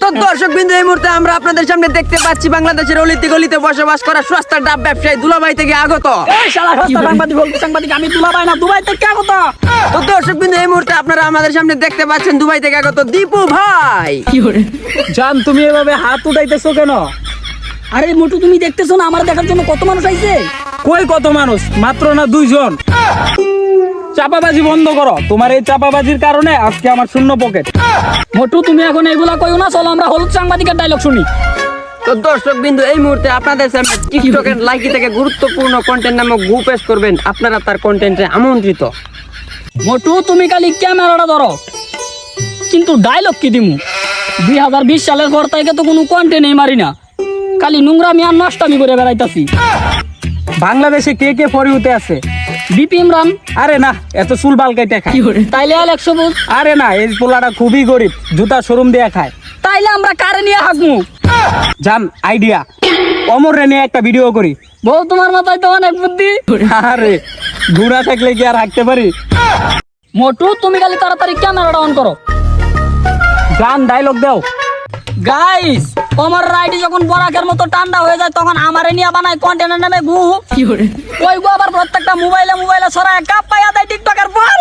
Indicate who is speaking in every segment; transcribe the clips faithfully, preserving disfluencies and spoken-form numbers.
Speaker 1: দর্শক বিন্দু, এই মুহূর্তে আমরা আপনাদের সামনে দেখতে পাচ্ছি বাংলাদেশের অলিতে গলিতে বসবাস করা সস্তা ডাব ব্যবসায়ী দুলাভাই থেকে আগত।
Speaker 2: এই শালা সস্তা সাংবাদিক বলতে সাংবাদিক আমি দুলাভাই না, দুবাই থেকে আগত।
Speaker 1: তো দর্শক বিন্দু, এই মুহূর্তে আপনারা আমাদের সামনে দেখতে পাচ্ছেন দুবাই থেকে আগত দীপু ভাই।
Speaker 2: জান, তুমি এভাবে হাত উঠাইতেছো কেন? আরে মোটু, তুমি দেখতেছো না আমার দেখার জন্য কত মানুষ আইছে?
Speaker 3: কই কত মানুষ? মাত্র না দুইজন। চাপাবাজি বন্ধ করো, তোমার এই চাপাবাজির কারণে আজকে আমার শূন্য পকেট।
Speaker 2: মোটু, তুমি এখন এগুলা কইও না, চলো আমরা হলুদ সাংবাদিকের ডায়লগ শুনি।
Speaker 1: তো দর্শক বিন্দু, এই মুহূর্তে আপনাদের সামনে টিকটকের লাইকি থেকে গুরুত্বপূর্ণ কন্টেন্ট নামক গ্রুপ পেশ করবেন, আপনারা তার কন্টেন্টে আমন্ত্রিত।
Speaker 2: মোটু, তুমি খালি ক্যামেরাটা ধরো, কিন্তু ডায়লগ কি দিমু? দুই হাজার বিশ সালের পর থেকে তো কোনো কন্টেন্টই মারি না, খালি নোংরামি আর নষ্টামি করে বেড়াইতাছি।
Speaker 3: বাংলাদেশে কে কে ফরিউতে আছে?
Speaker 2: বিপি ইমরান।
Speaker 3: আরে না, এত চুল বালকাইতে খায়।
Speaker 2: তাইলে আলেক সবুজ।
Speaker 3: আরে না, এই পোলাটা খুবই গরিব, জুতা শোরুম দিয়ে খায়।
Speaker 2: তাইলে আমরা কারে নিয়ে হাঁকমু?
Speaker 3: জান, আইডিয়া, অমর রে নিয়ে একটা ভিডিও করি।
Speaker 2: বউ, তোমার মাথায় তো অনেক বুদ্ধি।
Speaker 3: আরে ঘুরা থাকলে কি আর হাঁকতে পারি?
Speaker 2: মোটু, তুমি খালি তাড়াতাড়ি ক্যামেরাটা অন করো।
Speaker 3: জান, ডায়লগ দাও।
Speaker 2: গাইস, আমার রাইডি যখন বরাকের মতো ঠান্ডা হয়ে যায় তখন আমারে নিয়ে বানায় কন্টেন্টের নামে গু। ওই গু আবার প্রত্যেকটা মোবাইলে মোবাইলে ছড়ায় কাপ পাইয়া দেয় টিকটকের পর।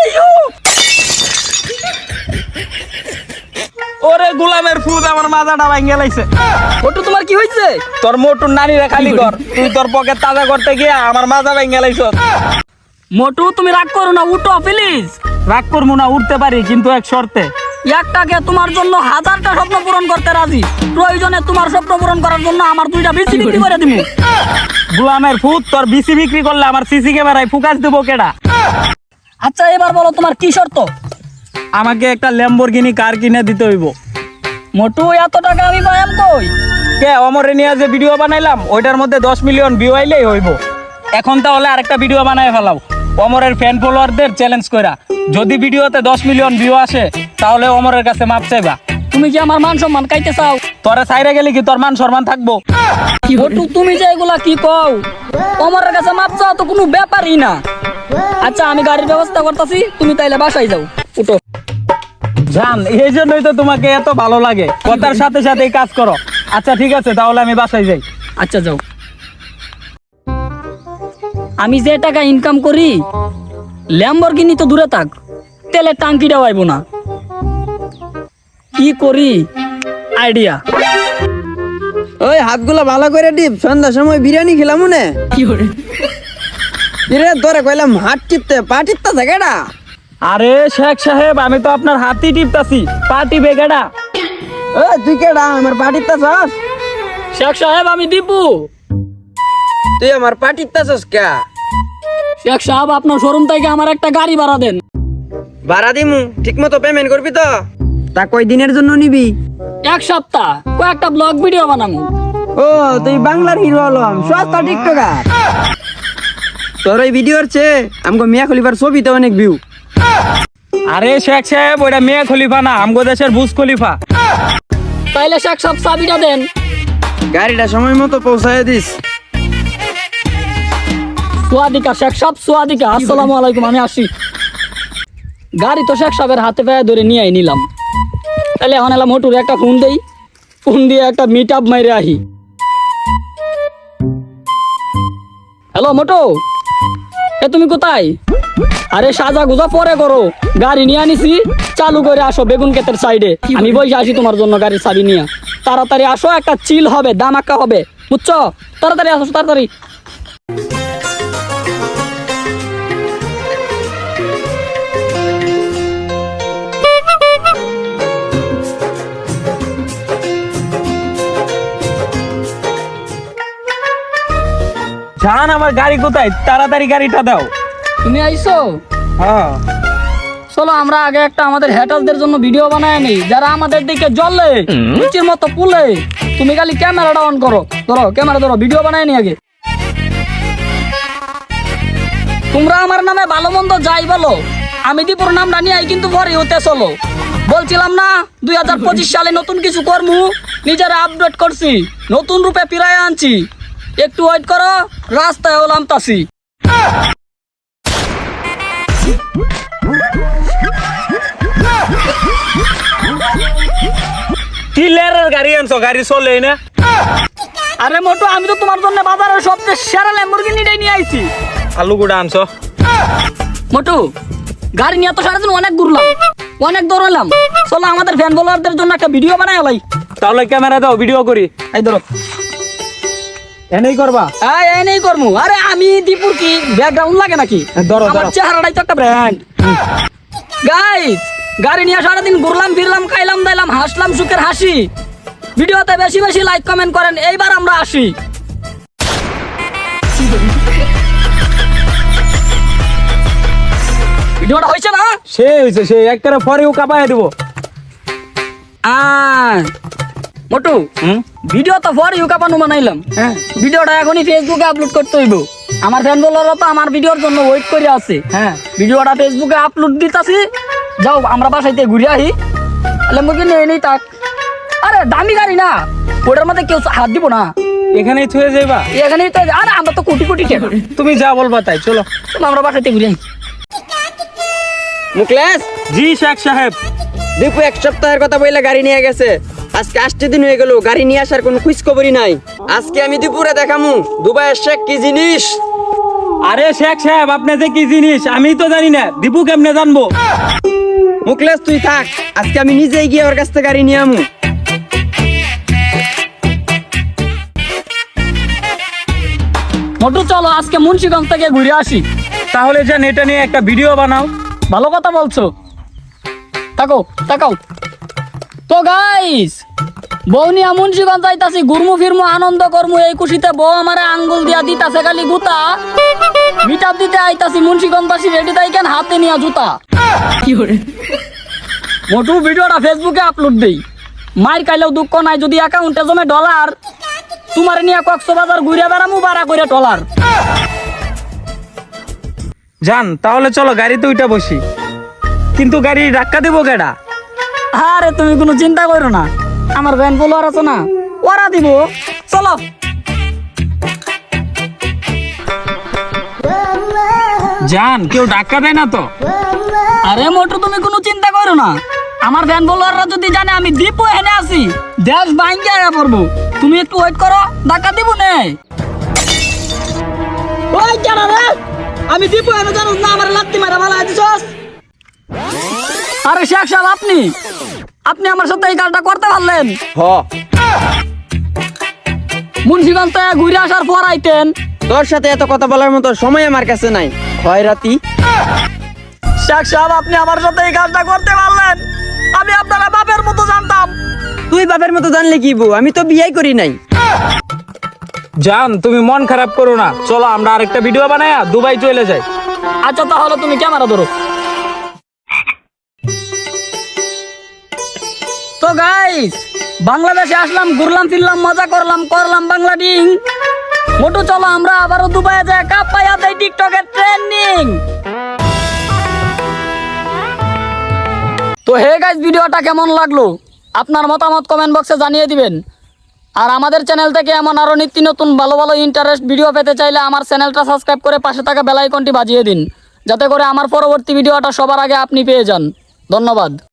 Speaker 3: ওরে গোলামের ফুদ, আমার মাথাটা ভাঙে লাইছে।
Speaker 2: মোটু, তোমার কি হয়েছে?
Speaker 3: তোর মোটুর নানিরে খালি কর, তুই তোর পকেট তাজা করতে গিয়ে আমার মাথা ভাঙে লাইছ।
Speaker 2: মোটু, তুমি রাগ করো না, উঠো প্লিজ।
Speaker 3: রাগ করবো না, উঠতে পারি, কিন্তু এক শর্তে।
Speaker 2: একটাকে তোমার জন্য হাজারটা স্বপ্ন পূরণ করতে রাজি, প্রয়োজনে তোমার স্বপ্ন পূরণ করার জন্য আমার দুইটা বিসি বিক্রি করে দিমু।
Speaker 3: গোলামের ফুদ, তোর বিসি বিক্রি করলে আমার সিসি ক্যামেরায় ফোকাস দেবো কেডা?
Speaker 2: আচ্ছা, এবার বলো তোমার কি শর্ত?
Speaker 3: আমাকে একটা ল্যাম্বরগিনি কার কিনে দিতে হইব।
Speaker 2: মোটু, এত টাকা আমি পাইম কই?
Speaker 3: কে, অমরে নিয়ে যে ভিডিও বানাইলাম ওইটার মধ্যে দশ মিলিয়ন ভিউ আইলেই হইব। এখন তাহলে আরেকটা ভিডিও বানায় ফেলাও অমরের ফ্যান ফলোয়ারদের চ্যালেঞ্জ কইরা। যদি ভিডিওতে দশ মিলিয়ন ভিউ আসে তাহলে অমরের কাছে মাপ চাইবা।
Speaker 2: তুমি কি আমার মান সম্মান খাইতে চাও?
Speaker 3: তোরা সাইরে গেলে কি তোর মান সম্মান থাকবো?
Speaker 2: মোটু, তুমি যে এগুলা কি কও? অমরের কাছে মাপ চাও তো কোনো ব্যাপারই না। আচ্ছা, আমি গাড়ির ব্যবস্থা করতেছি, তুমি তাইলে বাসায় যাও, উঠো।
Speaker 3: জান, এই জন্যই তো তোমাকে এত ভালো লাগে, কথার সাথে সাথেই কাজ করো। আচ্ছা ঠিক আছে, তাহলে আমি বাসায় যাই।
Speaker 2: আচ্ছা, যাও। আমি যে টাকা ইনকাম করি, ল্যাম্বরগিনি তো দূরে থাক, তেলের টাঙ্কিটাও আইব না। কি করি? আইডিয়া।
Speaker 1: ওই হাতগুলো ভালো করে ডিপ, সন্ধ্যার সময় বিরিয়ানি খেলাম মনে।
Speaker 2: কি করে?
Speaker 1: এরে ধরে কইলাম হাত টিপতে, পা টিপতে থাকেটা।
Speaker 3: আরে শেখ সাহেব, আমি তো আপনার হাতই টিপতাছি, পার্টি বেগাডা।
Speaker 1: ও তুই কেডা আমার পা টিপতাছস?
Speaker 2: শেখ সাহেব, আমি দীপু।
Speaker 1: তুই আমার পা টিপতাছস কে?
Speaker 2: শেখ সাহেব, আপনার শোরুম থেকে আমার একটা গাড়ি ভাড়া দেন।
Speaker 1: ভাড়া দিমু, ঠিক মতো পেমেন্ট করবি তো? তা কয় দিনের জন্য নিবি?
Speaker 2: এক সপ্তাহ, কয়েকটা ব্লগ ভিডিও বানাবো।
Speaker 1: ও, তুই বাংলার হিরো হলাম, সস্তা টিকটকার। তোর ওই ভিডিওর চেয়ে আমগো মিয়া খলিফার ছবিতে অনেক ভিউ।
Speaker 3: আরে শেখ সাহেব, ওইটা মিয়া খলিফা না, আমগো দেশের বুজ খলিফা।
Speaker 2: তাইলে শেখ সাহেব চাবিটা দেন।
Speaker 1: গাড়িটা সময় মতো পৌঁছায় দিস।
Speaker 2: সোয়াদিকা শেখ সাহেব, সোয়াদিকা। আসসালামু আলাইকুম, আমি আসি। গাড়ি তো শেখ সাহেবের হাতে পায়ে ধরে নিয়ে নিলাম। তাহলে এখন এলাম মোটুর একটা ফোন দেই, ফোন দিয়ে একটা মিট আপ মাইরে আহি। হ্যালো মোটু, এ তুমি কোথায়? আরে সাজা গুজা পরে করো, গাড়ি নিয়ে আনিছি, চালু করে আসো বেগুন ক্ষেতের সাইডে। আমি বসে আসি তোমার জন্য গাড়ির চাবি নিয়ে। তাড়াতাড়ি আসো, একটা চিল হবে, দামাক্কা হবে, বুঝছো? তাড়াতাড়ি আসো, তাড়াতাড়ি।
Speaker 3: জান, আমার গাড়ি কোথায়? তাড়াতাড়ি গাড়িটা দাও।
Speaker 2: তুমি আইছো?
Speaker 3: হ্যাঁ,
Speaker 2: চলো আমরা আগে একটা আমাদের হ্যাটারদের জন্য ভিডিও বানায় নেই, যারা আমাদের দিকে জ্বলে নিচের মতো পুলে। তুমি খালি ক্যামেরাটা অন করো, ধরো ক্যামেরা ধরো, ভিডিও বানায় নি আগে। তোমরা আমার নামে ভালো মন্দ যাই বলো, আমি দীপুর নামটা নিয়ে কিন্তু পরে হতে চলো। বলছিলাম না দুই হাজার পঁচিশ সালে নতুন কিছু কর্ম নিজেরা আপডেট করছি, নতুন রূপে ফিরায় আনছি। একটু ওয়েট করো, রাস্তায় হলাম তাসি।
Speaker 3: কি লেরের গাড়ি আনছো, গাড়ি চলে না?
Speaker 2: আরে মোটু, আমি তো তোমার জন্য বাজারের সবচেয়ে সেরা ল্যাম্বরগিনিটাই নিয়ে আইছি।
Speaker 3: আলু গুড়া আনছো?
Speaker 2: মোটু, গাড়ি নিয়ে তো সারাদিন অনেক ঘুরলাম, অনেক দৌড়ালাম। চলো আমাদের ফ্যান ফলোয়ারদের জন্য একটা ভিডিও বানাই লাই।
Speaker 3: তাহলে ক্যামেরা দাও, ভিডিও করি।
Speaker 2: এই ধরো।
Speaker 3: এনেই করবা?
Speaker 2: এই এই নেই করমু। আরে আমি দীপুর কি ব্যাকগ্রাউন্ড লাগে নাকি?
Speaker 3: ধরো,
Speaker 2: আমার
Speaker 3: ধরো।
Speaker 2: চেহারাটাই তো একটা ব্র্যান্ড। গাইস, গাড়ি নিয়ে সারাদিন ঘুরলাম ফিরলাম, খাইলাম দাইলাম, হাসলাম সুখের হাসি। ভিডিওতে বেশি বেশি লাইক কমেন্ট করেন। এইবার আমরা আসি। ভিডিওটা হয়েছে না?
Speaker 3: সে হয়েছে, সে একবারে পরেও কাপায় দিব।
Speaker 2: আয় মোটু,
Speaker 3: হুম
Speaker 2: ভিডিও তো পরে ইউকাপানো বানাইলাম।
Speaker 3: হ্যাঁ
Speaker 2: ভিডিওটা এখনই ফেসবুকে আপলোড করতে হইব। আমার ফ্যান ফলোয়াররা তো আমার ভিডিওর জন্য ওয়েট করে আছে।
Speaker 3: হ্যাঁ
Speaker 2: ভিডিওটা ফেসবুকে আপলোড দিতাছি। যাও আমরা বাসাইতে ঘুরে আহি। ল্যাম্বরগিনি নিয়ে নেই তাক। আরে দামি গাড়ি না, ওটার মধ্যে কেউ হাত দিব না।
Speaker 3: এখানেই থুয়ে যাইবা?
Speaker 2: এখানেই তো। আরে আমরা তো কোটি কোটি টাকা।
Speaker 3: তুমি যা বলবা তাই, চলো।
Speaker 2: চলো আমরা বাসাইতে ঘুরে আহি।
Speaker 1: মুকলেশ,
Speaker 3: জি শেখ সাহেব।
Speaker 1: দীপু এক সপ্তাহের কথা বইলে গাড়ি নিয়ে গেছে, আজকে আসতে দিন হয়ে গেল, গাড়ি নিয়ে আসার কোনো খোঁজ খবরই নাই। আজকে আমি দীপুরে দেখামু দুবাইয়ের শেখ কি জিনিস।
Speaker 3: আরে শেখ সাহেব, আপনি যে কি জিনিস আমি তো জানি না, দীপু কেমনে জানবো?
Speaker 1: মুকলেশ তুই থাক, আজকে আমি নিজেই গিয়ে ওর কাছ থেকে গাড়ি নিয়ে আমু।
Speaker 2: মোটু চলো আজকে মুন্সিগঞ্জ থেকে ঘুরে আসি।
Speaker 3: তাহলে যান, এটা নিয়ে একটা ভিডিও বানাও।
Speaker 2: ভালো কথা বলছো। তাকাও তাকাও। তো গাইস, বউ নিয়া মুন্সিগঞ্জ যাইতাছি, ঘুরমু ফিরমু আনন্দ করমু। এই খুশিতে বউ আমারে আঙ্গুল দিয়া দিতাছে খালি গুতা। মিটাপ দিতে আইতাছি মুন্সিগঞ্জবাসী, রেডি থাকেন, হাতে নিয়া জুতা। মোটু ভিডিওটা ফেসবুকে আপলোড দেই। মাইর খাইলেও দুঃখ নাই, যদি অ্যাকাউন্টে জমে ডলার, তোমার নিয়ে কক্সবাজার ঘুরে বেড়ামু বাড়া করে ডলার।
Speaker 3: যান তাহলে চলো, গাড়িতে উইটা বসি। কিন্তু গাড়ি ধাক্কা দেবো কেডা?
Speaker 2: আরে তুমি কোনো চিন্তা করো না, আমার ভ্যান ফলোয়ার আছে না, ওরা দিব। চলো।
Speaker 3: যান, কেউ ধাক্কা দেয় না তো?
Speaker 2: আরে মোটু তুমি কোনো চিন্তা করো না, আমার ফ্যান ফলোয়াররা যদি জানে আমি দীপু এনে আছি, দেশ ভাঙ্গে আয়া পড়বো। তুমি একটু ওয়েট করো, ধাক্কা দিব নে। ওই জানা রে, আমি দীপু এনে জানো না, আমার লাত্তি মারা ভালো আছিস। আরে শেখ সাহেব, আপনি আপনি আমার সাথে এই কাজটা করতে পারলেন?
Speaker 1: হ,
Speaker 2: মুন্সিগঞ্জ থেকে ঘুরে আসার পর আইতেন।
Speaker 1: তোর সাথে এত কথা বলার মতো সময় আমার কাছে নাই। খয়রাতি।
Speaker 2: শেখ সাহেব, আপনি আমার সাথে এই কাজটা করতে পারলেন? আমি আপনারা বাপের মতো জানতাম।
Speaker 1: তুই বাপের মতো জানলে কি বউ, আমি তো বিয়ে করি নাই।
Speaker 3: যান, তুমি মন খারাপ করো না, চলো আমরা আরেকটা ভিডিও বানায়া দুবাই চলে যাই।
Speaker 2: আচ্ছা তাহলে তুমি ক্যামেরা ধরো। তো গাইস, বাংলাদেশে আসলাম, ঘুরলাম ফিরলাম, মজা করলাম, করলাম বাংলা ডিং। মোটু চলো আমরা আবারও দুবাইয়ে যাই, কাপ পাইয়া দেই টিকটকের ট্রেন্ডিং। তো হে গাইস, ভিডিওটা কেমন লাগলো আপনার মতামত কমেন্ট বক্সে জানিয়ে দিবেন। আর আমাদের চ্যানেল থেকে এমন আরো নিত্য নতুন ভালো ভালো ইন্টারেস্ট ভিডিও পেতে চাইলে আমার চ্যানেলটা সাবস্ক্রাইব করে পাশে থাকা বেল আইকনটি বাজিয়ে দিন, যাতে করে আমার পরবর্তী ভিডিওটা সবার আগে আপনি পেয়ে যান। ধন্যবাদ।